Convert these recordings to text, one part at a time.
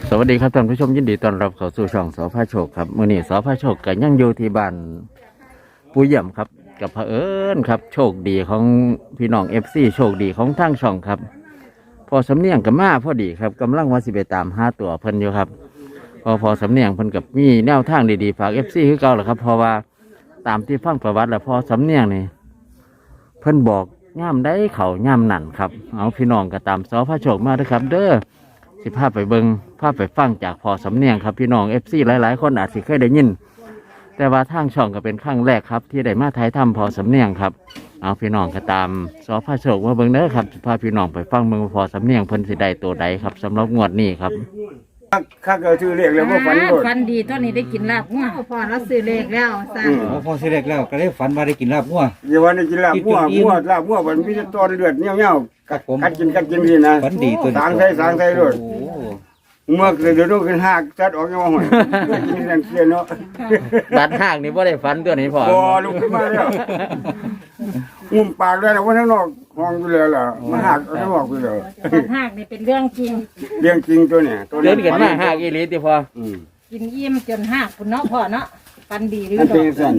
สวัสดีครับท่านผู้ชมยินดีต้อนรับเข้าสู่ช่องสพโชคครับมื้อนี้สพโชคก็ยังอยู่ที่บ้านปู่เยี่ยมครับกับเผอิญครับโชคดีของพี่น้องFCโชคดีของทางช่องครับพอสำเนียงกับมาพอดีครับกำลังว่าสิไปตามหาตัวเพิ่นอยู่ครับพอสำเนียงเพิ่นกับมีแนวทางดีๆฝาก FC คือเก่าแหละครับเพราะว่าตามที่ฟังประวัติแล้วพอสำเนียงนี่เพิ่นบอกย่ำได้เขาย่ำนั่นครับเอาพี่น้องก็ตามสพโชคมาเด้อครับเด้อสิพาไปเบิงพาไปฟังจากพอสำเนียงครับพี่น้องFCหลายๆคนอาจสิเคยได้ยินแต่ว่าทางช่องก็เป็นครั้งแรกครับที่ได้มาถ่ายทำพอสำเนียงครับเอาพี่น้องก็ตามสพโชคมาเบิงเด้อครับสิพาพี่น้องไปฟังเบิงพอสำเนียงเพิ่นสิได้ตัวใดครับสำหรับงวดนี้ครับข้าก็ชื่อเรียกแล้วว่าฝันโดดฟันดีตอนนี้ได้กินลาบงัวพอเราซื้อเลขแล้วสั่งพอสิเล็กแล้วก็ได้ฝันว่าได้กินลาบงัวอย่าว่าได้กินลาบมั่วลาบมั่วมันมีแต่ตอนเลือดเงี้ยวๆครับผมกัดกินสินะฝันดีตัวนี้สางใส่โดดโอ้เมื่อเดี๋ยวต้องขึ้นหักจัดออกยังว่าหอยกินนั่นเสียเนาะดัดห้างนี่บ่ได้ฝันตัวนี้พอบ่ลุกขึ้นมาแล้วงุ่มปากได้แล้วว่าทั้งนอกห้องอยู่แล้วล่ะมันหักเอาทั้งนอกอยู่แล้วตัดหากนี่เป็นเรื่องจริงเรื่องจริงตัวเนี่ยตัวเดินกันมาห้างอีหลีติพอกินอิ่มจนหากคุณเนาะพ่อเนาะฟันดีหรือมันดอเป็นกสั่น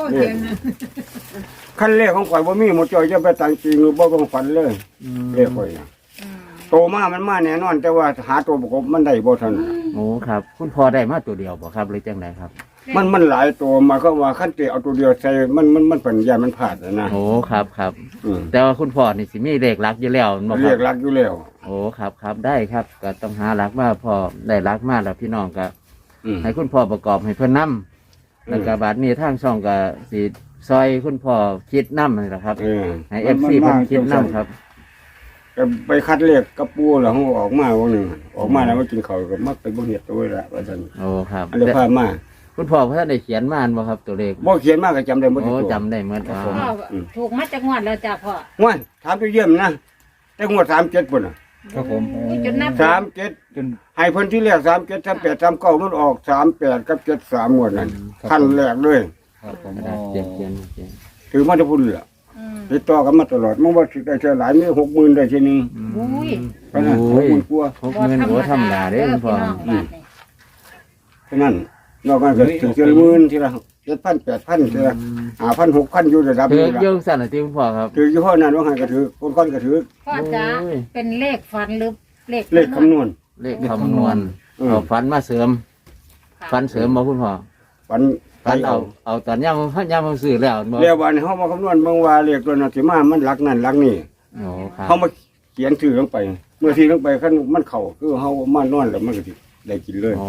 ขั้นแรกของข่อยบ่มีหมดจอยจะไปตั้งจริงหรือบ่ต้องฝันเลยเรียกข่อยนะโตมามันมาแน่นอน แต่ว่าหาตัวประกบมันได้บ่ทันโอ้ครับคุณพ่อได้มาตัวเดียวบ่ครับหรือจังไดครับมันหลายตัวมาก็ว่าขั้นเตะเอาตัวเดียวใส่มันเป็นยามันผาดนะโอ้ครับอืมแต่ว่าคุณพ่อนี่สิมีเลขหลักอยู่แล้วบ่คเรีรัยบกรักอยู่แล้วโอ้ครับได้ครับก็ต้องหาหลักมาพอได้หลักมาแล้วพี่น้องก็อืมให้คุณพ่อประกอบให้เพิ่นนำแล้วก็บาดนี้ทางช่องก็สิซอยคุณพ่อคิดนำนี่แหละครับ ให้ FC เพิ่นคิดนำครับก็ไปคัดเรียกกระปูแล้วเขาออกมาวันหนึ่งออกมาแล้วมากินข้าวก็มักไปบ่เห็ดตัวละว่าซั่นโอ้ครับอันนี้พามาคุณพ่อเพิ่นได้เขียนมาอันบ่ครับตัวเลขบ่เขียนมาก็จำได้บ่ทุโอ้กตัวจำได้หมดอ๋อพ่อถูกมาจากงวดแล้วจ้ะพ่อง่วนถามตัวเยี่ยมนะแต่งวด37พุ่นน่ะครับผมอุ้ยจนนับ 37 จนให้เพิ่นที่แรก37 38 39มันออก38กับ73งวดนั้นขั้นแรกเลยครับผมกระดาษเขียนถือมาจะพุ่นล่ะติดต่อกันมาตลอดมันว่าสิได้เท่าหลายมี60,000ได้ทีนึงอุ้ยเพราะนั้น60,000กว่า 60,000โอ้ธรรมดาเด้อคุณพ่อพี่น้องบ้านนี่ฉะนั้นนอกจากจะถึงเจริญมื่นทีละ7,000 8,000ทีละ5,000 6,000อยู่ระดับถือนี้ละเยอะสั่นน่ะที่คุณพ่อครับถือยี่ห้อนั้นว่าให้ก็ถือคนก็ถือพ่อจ๋าเป็นเลขฟันหรือเลขเลขคำนวณเลขคำนวณ เอาฝันมาเสริมฝันเสริมบ่คุณพ่อวันฝันเอาตอนย่ำซื้อแล้วบ่เรียกวันเฮามาคำนวณเบิ่งว่าเลขตัวนั้นสิมามันหลักนั่นหลักนี่โอ้ครับเฮามาเขียนชื่อลงไป เมื่อที่ลงไปคันมันเข้าคือเฮามานอนแล้วมันก็สิได้กินเลยอ๋อ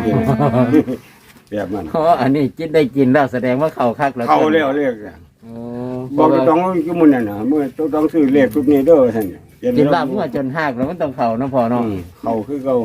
แบบนั้นอ๋ออันนี้กินได้กินแล้วแสดงว่าเข้าคักแล้วเข้าแล้วเลขน่ะโอ้บอกจะต้องอยู่มื้อนั้นน่ะเมื่อต้องซื้อเลขทุกนี้เด้อท่านเขียกินลาบเมื่อจนหักแล้วมันต้องเข้าเนาะพ่อเนาะเข้าคือเก่า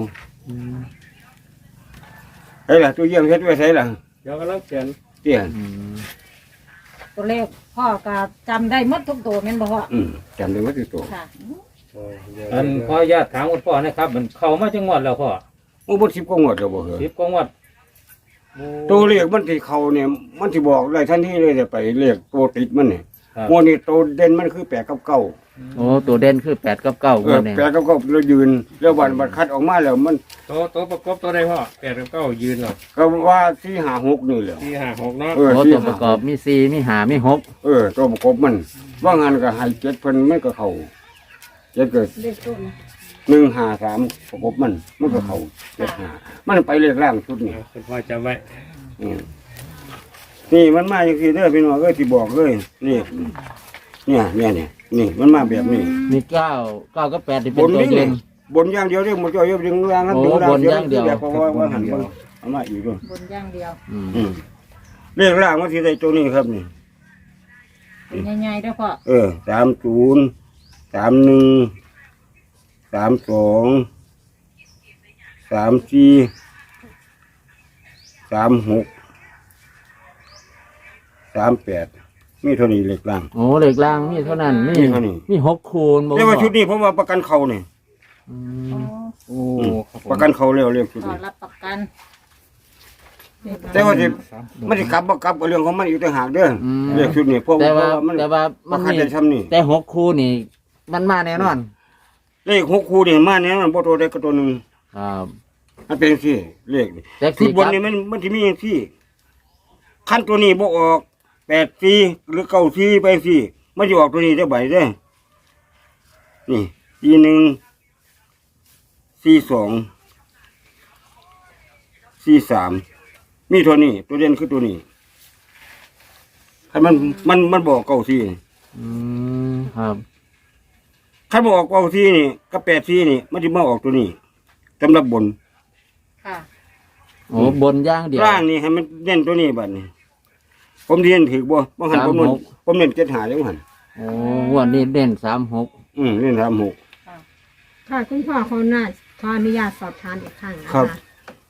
เฮ้ยล่ะตู้เยี่ยมเฮ็ดไว้ไสล่ะเดี๋ยวกำลังเขียนเตี้ยตัวเลขพ่อก็จำได้หมดทุกตัวแม่นบ่พ่อจำได้ว่าตัวค่ะอันขออนุญาตถามคุณพ่อนะครับมันเข้ามาจังหวัดแล้วพ่อโอ้บ่10กว่างวดแล้วบ่เหรอ 10กว่าวัดตัวเลขมันที่เขาเนี่ยมันที่บอกได้ทันทีเลยจะไปเลขตัวติดมันเนี่ยครับโมนี่ตัวเด่นมันคือ8กับ9 โอ้ตัวเด่นคือ8กับ9งวดนี้ 8กับ9เรายืนแล้ววันคัดออกมาแล้วมันตัวประกอบตัวใดพ่อ8กับ9ยืนเหรอก็ว่า4 5 6นี่แหละ 4 5 6เนาะโอ้ตัวประกอบมี4มี5มี6 ตัวประกอบมัน ว่างานก็ให้7เพิ่นมันก็เข้า7ก็เลขตัวนี้ 1 5 3ประกอบมันก็เข้า7 5มันไปเลขล่างชุดนี่คุณพ่อจำไว้อืมนี่มันมาจังซี่เด้อพี่น้องเอ้ยที่บอกเลยนี่นี่มันมาแบบนี้มี9กับ8นี่บเป็นนตัวนี่เด่นบนอย่างเดียวเด้หมดจอยดึงล่างนั้นโอ้ดึงล่างบนอย่างเดียวแบบว่าหันมาเอามาอีกด้วยบนอย่างเดียวเรียกล่างว่าที่ใดตัวนี้ครับนี่เป็นใหญ่ๆเด้อพ่อ 30 31 32 34 36 38มีเท่านี้เล็กล่างโอ้เหล็กล่างมีเท่านั้นมีมีเท่านี้มี6คูณบ่แต่ว่าชุดนี้ผมว่าประกันเขานี่อืโอ้มโอ้ครับผมประกันเขาเร็วเรียกชุดพ่อนี้รับประกันแต่ว่าสิมันสิกลับบ่กลับก็เรื่องของมันอยู่ต่างหากเด้อเรียกชุดนี้เพราะแต่ว่าว่ามันแต่ว่ามัมัน นได้ซ้ำนี่แต่6คู่นี่มันมาแน่นอนเลข6คู่นี่มาเนี่ยมันบ่ตัวใดก็ตัวหนึงครับมันเป็นสี่เลขนี่จักคืสีอบนนี่มันจะมีอย่างสี่ขั้นตัวนี้บ่ออก8-4หรือ9-4ไปสี่มันจะออกตัวนี้ได้ใบได้อนี่42 43มีตัวนี้ ตัวเด่นคือตัวนี้ให้มันบอก9-4 อืมครับขั้นบอก9-4นี่กับ8-4นี่มันจะมาออกตัวนี้สำหรับบนค่ะโอ้บนย่างเดียวล่างนี่ให้มันเน้นตัวนี้บัดนี้ผมเรียนถือบ่หันผมเน้น7-5แล้วหันโอ้งวันนี้เด่น36 เน้น36 ค่ะคุณพ่อเขาน่าขออนุญาตสอบถามอีกครั้งนะครัคะบ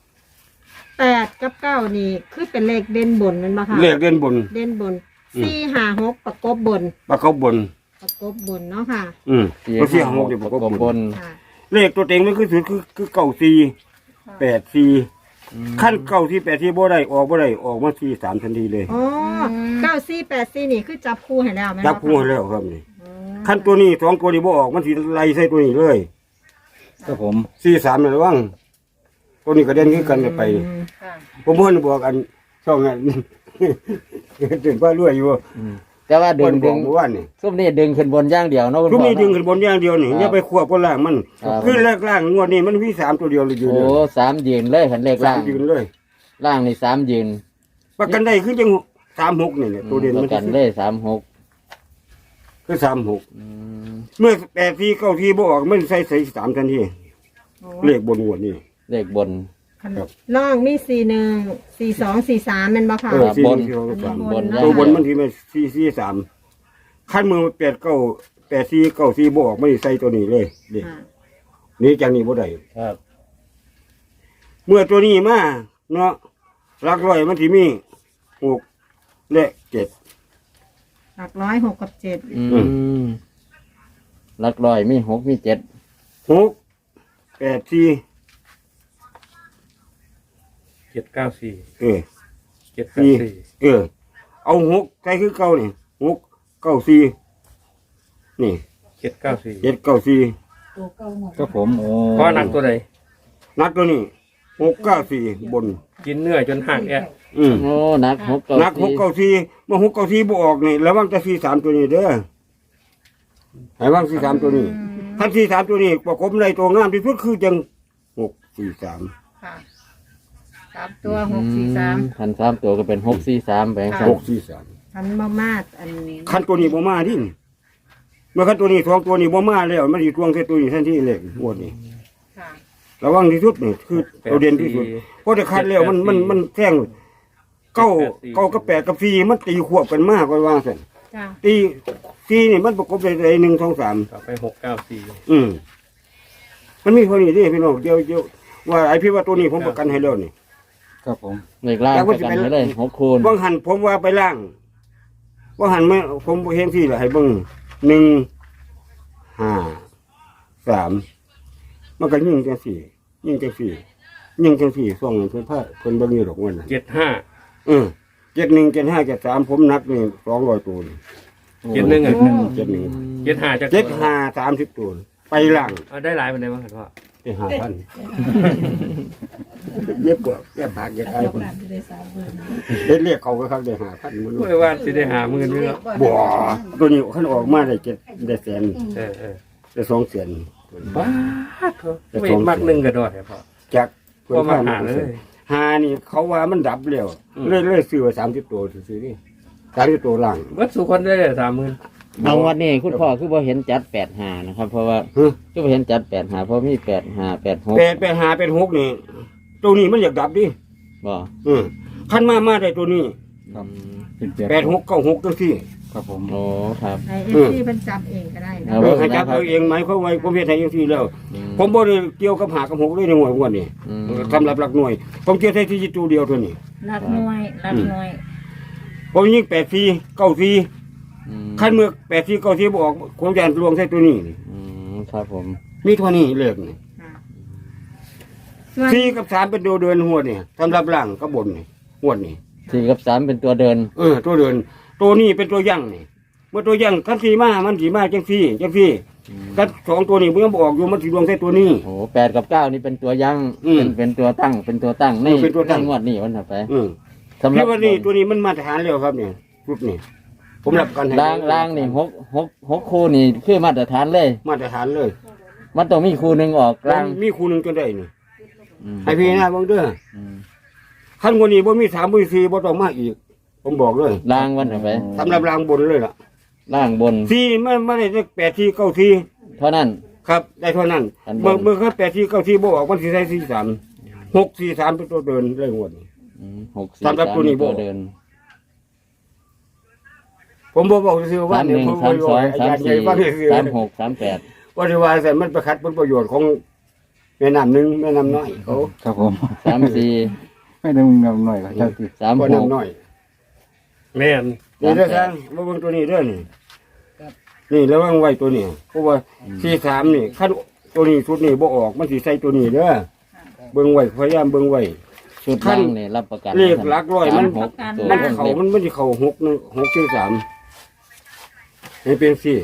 8 กับ 9 นี่คือเป็นเลขเด่นบนแมันบ่ค่ะเลขเด่นบนเด่นบนอืม 4 5 6ประกบบนปากเขาบนประกบบนเนาะค่ะตัวเสียหกเดี๋ยวบอกว่าบบนนค่ะเลขตัวเต็งมันคือสุดคือ9-4 8-4ขั้น9-4 8-4บ่ได้ออกมา4-3ทันทีเลยอ๋อ9 4 8 4นี่คือจับคู่ให้แล้วแม่นจับบ่คู่ให้แล้วครับนี่อ๋อขั้นตัวนี้2ตัวนี้บ่ออกมันสิไล่ใส่ตัวนี้เลยครับผม 4-3นี่ระวังตัวนี้ก็เด่นคือกันไปค่ะผมเพิ่นบอกกันช่องนั้น ถึงว่ารวยอยู่แต่ว่าดึเพิ่งนบดึอกงเมื่อวานนี่ซุ่มนี่ดึงขึ้นบนย่างเดียวเนาะคุณทุกพ่อนี้ดึงเนาะขึ้นบนอย่างเดียวนี่ครับอย่าไปควบกับล่างมันครับคือแรกล่างงวดนี้มันมี3ตัวเดียวเลยอยู่โอ้เลย 3ยืนเลยหันเลขล่างยืนเลยล่างนี่3ยืนประกันได้คือจัง36นี่แหละตัวเด่นปมันระกันเลย36 คือ36 อืมเมื่อ8-4 9-4บ่ออกมันใส่3ทันทีเลขบนงวดนี่เลขบนครับน้องมี41 42 43แม่นบ่ค่ะครับ 4 บน 4 บน 3ตัวบนมันที่มัน4-4-3ขั้นมือ8-4 9-4บ่ออกมันใส่ตัวนี้เลยเลขค่ะนี่จังนี้บ่ได้ครับเมื่อตัวนี้มาเนาะหลักร้อยมันสิมี6และ7 หลักร้อย6กับ7 อืมหลักร้อยมี6มี7 6-8-4 794 เออ 794 เอา6ใส่คือเก่านี่6-9-4นี่ 794 7-9-4 ตัวเก่าหมดครับผมโอ้พอหนักตัวใดนัดตัวนี้6-9-4บนกินเนื้อจนห่างแอะโอ้หนัก6เก้านัก6-9-4เมื่อ6-9-4บ่ออกนี่ระวังจะ4-3ตัวนี้เด้อให้ระวัง4-3ตัวนี้ถ้า4-3ตัวนี้ประกบในตัวงามที่สุดคือจัง6-4-3 ค่ะ3ตัว643 คัน3ตัวก็เป็น643ไปครับ 6-4-3 ทันบ่มาดอันนี้คันตัวนี้บ่มาดิเมื่อคันตัวนี้2ตัวนี้บ่มาแล้วมันสิทวงใส่ตัวนี้ทันทีเลยงวดนี้ค่ะระวังที่สุดนี่คือตัวเด่นที่สุดเพราะถ้าคัดแล้วมันแท่งเก้ากับ8กับ4มันตีควบกันมากกว่าว่าซั่นจ้ะตี4นี่มันประกบได้1 2 3 ต่อไป694 มันมีคนนี้ดิพี่น้องเดี๋ยวว่าไอ้พี่ว่าตัวนี้ผมประกันให้แล้วนี่ครับผมเลขล่างประกันให้เลย6คูณบางหันผมว่าไปล่างบางหันไม่ผมเห็นที่ละให้เบิ่ง1 5 3มันก็ยิ่งจังสี่ส่องเพิ่นพาเพิ่นเบิ่งอยู่ดอกวันนั้น 75 71 75 73ผมนักนี่200ตัวนี่ 71อ่ะ 71 75จัก 75 30ตัวไปล่างเอาได้หลายปานใดบ้างครับพ่อไป5,000เย็บกว่าแก้ผักแก้ไอ้คนเรียกเขาก็ครับได้5,000มันรู้โอ้ยว่าสิได้50,000นี่เนาะบ่ตัวนี้คันออกมาได้ได้แสนเออได้2แสนบ้าเถอะไม่มักหนึงก็ดอดให้พ่อจากก็มาหาเลยหานี่เขาว่ามันดับแล้วเลยซื้อไว้30ตัวซื้อนี่30ตัวล่างเบิดสุคนได้30,000 เอาวันนี้คุณพ่อคือบ่เห็นจัด85นะครับ เพราะว่าฮะคือบ่เห็นจัด85เพราะมี85 86 8 นี่ตัวนี้มันอยากดับดิบ่คันมาได้ตัวนี้ครับเป็นแปด 8 6 9 6จังซี่ครับผมโอ้ครับไอเอฟซีเพิ่นจับเองก็ได้นะเอาให้จับเอาเองไหมเขาไว้ผมเฮ็ดให้จังซี่แล้วอืมผมบ่ได้เกี่ยวกับหากับ6เลยในหน่วยงวดนี้อืมสำหรับหลักหน่วย ผมเกี่ยวได้ที่ตัวเดียวตัวนี้รักหน่วยรักหน่วยผมยิง8 4 9 4 อืมคันเมื่อ8 4 9 4บ่ออกผมจะลวงใส่ตัวนี้อืมครับผมมีเท่านี้เลขนี่ค่ะส่วน 4กับ3เป็นตัวเดินหัวนี่สำหรับล่างกับบนนี่หัวนี่ 4กับ3เป็นตัวเดินตัวเดินตัวนี้เป็นตัวยั่งนี่เมื่อตัวยั่งคันสีมามันสีมาจังซี่ถ้าสองตัวนี้มันยังบ่ออกอยู่มันสิดวงใส่ตัวนี้โอ้8กับ9นี่เป็นตัวยังอืมเป็นตัวตั้งนี่เป็นตัวตั้งงวดนี้วันถัดไปอืมสำหรับพี่ว่านี่ตัวนี้มันมาตรฐานแล้วครับเนี่ยชุดนี้ผมรับกันให้ล่างนี่หกคู่นี่คือมาตรฐานเลยมาตรฐานเลยมันต้องมีคู่หนึงออกล่างมีครูหนึงจนได้นี่อืมให้พี่นะบังเด้ออืมขั้นกว่านี้บ่มี3บ่มี4บ่ต้องมาอีก ผมบอกเลยล่างวันถัดไปสำหรับรางบนเลยล่ะล่างบน 4ไม่ได้8 4 9 4 เท่านั้นครับได้เท่านั้นอันบนเมื่อเขา8 4 9 4บ่ออกมันสิใส่4 3 6 4 3เป็นตัวเดินเลยงวดนี้ 6 4 สำหรับตัวนี้ 3 บ่ตัวเดินผมบอกซื่อๆว่าเนี่ยผมบ่รู้อาจารย์ใหญ่ฟังซื่อ 31 32 38 ว่าที่ว่าแต่มันไปขัดผลประโยชน์ของแม่น้ำหนึงแม่น้ำน้อยเขาครับผม 34 ไม่ได้มึงนำหน่อยครับเจ้าที่ก็น้ำ 36 น้อยแม่นนี่เด้อครับมาเบิ่งตัวนี้เด้อนี่นี่แล้ววางไว้ตัวนี้เพราะว่า43นี่คันตัวนี้ชุดนี้บ่ออกมันสิใส่ตัวนี้เด้อเบิ่งไว้พยายามเบิ่งไว้ชุดล่างนี่รับประกันเลขหลักร้อยมัน 36ตัวมันเพิ่มเข้าเต็มมันสิเข้า6 4 3ให้เป็น4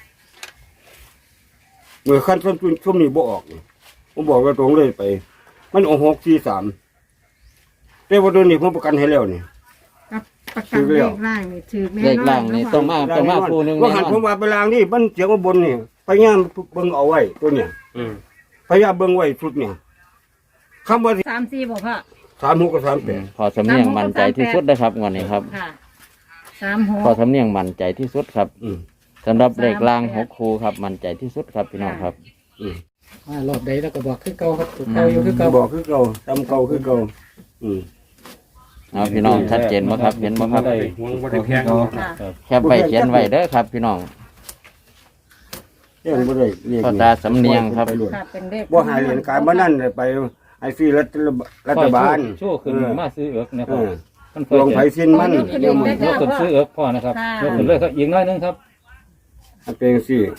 เมื่อขั้นต้นช่วงนี้บ่ออกนี่ผมบอกว่าตรงเลยไป มันออก6 4 3แต่ว่าตัวนี้ผมประกันให้แล้วนี่กับประกันเลขล่างนี่ถือแน่นอนเลขล่างนี่ต้องมาคู่หนึงว่าแน่หันนอผมนว่าไปลางนี่มันเสียงว่าบนนี่พยายามเบิ่งเอาไว้ตัวเนี่ยพยายามเบิ่งไว้ชุดเนี่ยคำว่า 3-4บอกพ่อ 36กับ38 พอสำเนียงมั่นใจที่สุดนะครับงวดนี้ครับค่ะพอสำเนียงมั่นใจที่สุดครับอืมสำหรับเลขล่าง6คู่ครับมั่นใจที่สุดครับพี่น้องครับอืมรอบใดแล้วก็บอกคือเก่าครับตัวเก่าอยู่คือเก่าบอกคือเก่าจำเก่าคือเก่าอืมเอาพี่น้องชัดเจนบ่ครับเห็นบ่ครับได้หวงบ่ได้แพงค่ะแคปไว้เขียนไว้เด้อครับ พี่น้องแพงบ่ได้เรียกพ่อตาสำเนียงครับไปรวดค่ะเป็นเลขบ่หายเหรียญการบ่นั่นเลยไปไอ้ฟรีรัฐบาลโชว์ขึ้นมาซื้อเอิกนะคเอรับอมันลงไผสิ้นมันขึ้นเดี๋ยวมันได้ยกขึ้นซื้อเอิกพ่อนะครับยกขึ้นเลยครับอีกน้อยนึงครับมันเป็นจังซี่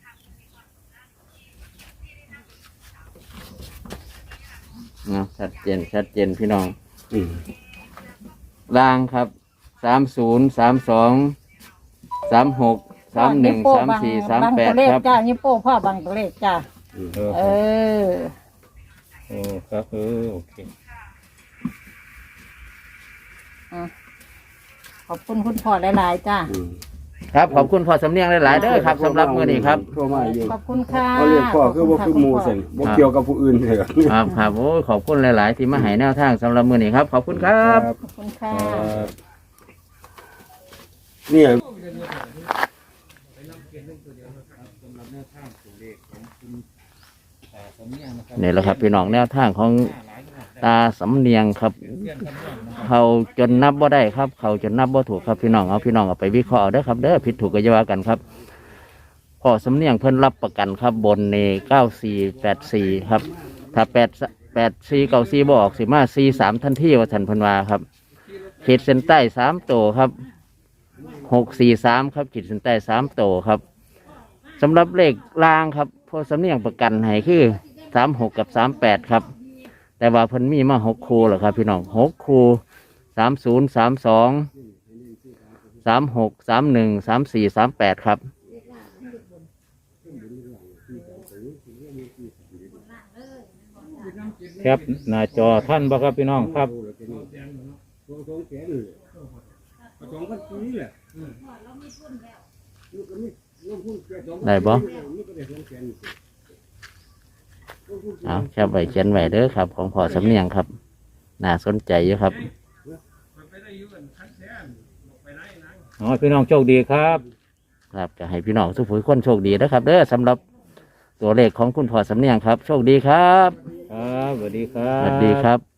นะชัดเจนพี่น้องอืมล่างครับ30 32 36 31 34 38ครับจ้านี่โป้พ่อบังตัวเลขจ้า เออโอ้ครับโอเคขอบคุณคุณพ่อหลายๆจ้าอืมครับขอบคุณพ่อสำเนียงหลายๆเด้อครับสำหรับมื้อนี้ครับโทรมาอยู่ขอบคุณค่ะเขาเรียกพ่อคือบ่คือหมู่ซั่นบ่เกี่ยวกับผู้อื่นเลยครับโอ้ยขอบคุณหลาย ๆ ที่มาให้แนวทางสำหรับมื้อนี้ครับ ขอบคุณครับขอบคุณค่ะเนี่ยนี่แหละครับพี่น้องแนวทางของตาสำเนียงครับ เขาจนนับบ่ได้ครับ เขาจนนับบ่ถูกครับพี่น้องเอาไปวิเคราะห์เอาเด้อครับเด้อผิดถูกก็อย่าว่ากันครับพอสำเนียงเพิ่นรับประกันครับบนใน9484ครับถ้า8494บ่ออกสิมา43ทันทีว่าท่านเพิ่นว่าครับขีดเส้นใต้3ตัวครับ643ครับขีดเส้นใต้3ตัวครับสำหรับเลขล่างครับพอสำเนียงประกันให้คือ36กับ38ครับแต่ว่าเพิ่นมีมา6คู่เหรอครับพี่น้อง6คู่30 32 36 31 34 38ครับครับหน้าจอท่านบ่ครับพี่น้องครับได้บ่เอาแค่ไว้เขียนไว้เด้อครับ ของพ่อสำเนียงครับ น่าสนใจอยู่ครับอ๋อพี่น้องโชคดีครับครับจะให้พี่น้องทุกผู้คนโชคดีนะครับเด้อสำหรับตัวเลขของคุณพ่อสำเนียงครับ โชคดีครับครับสวัสดีครับสวัสดีครับ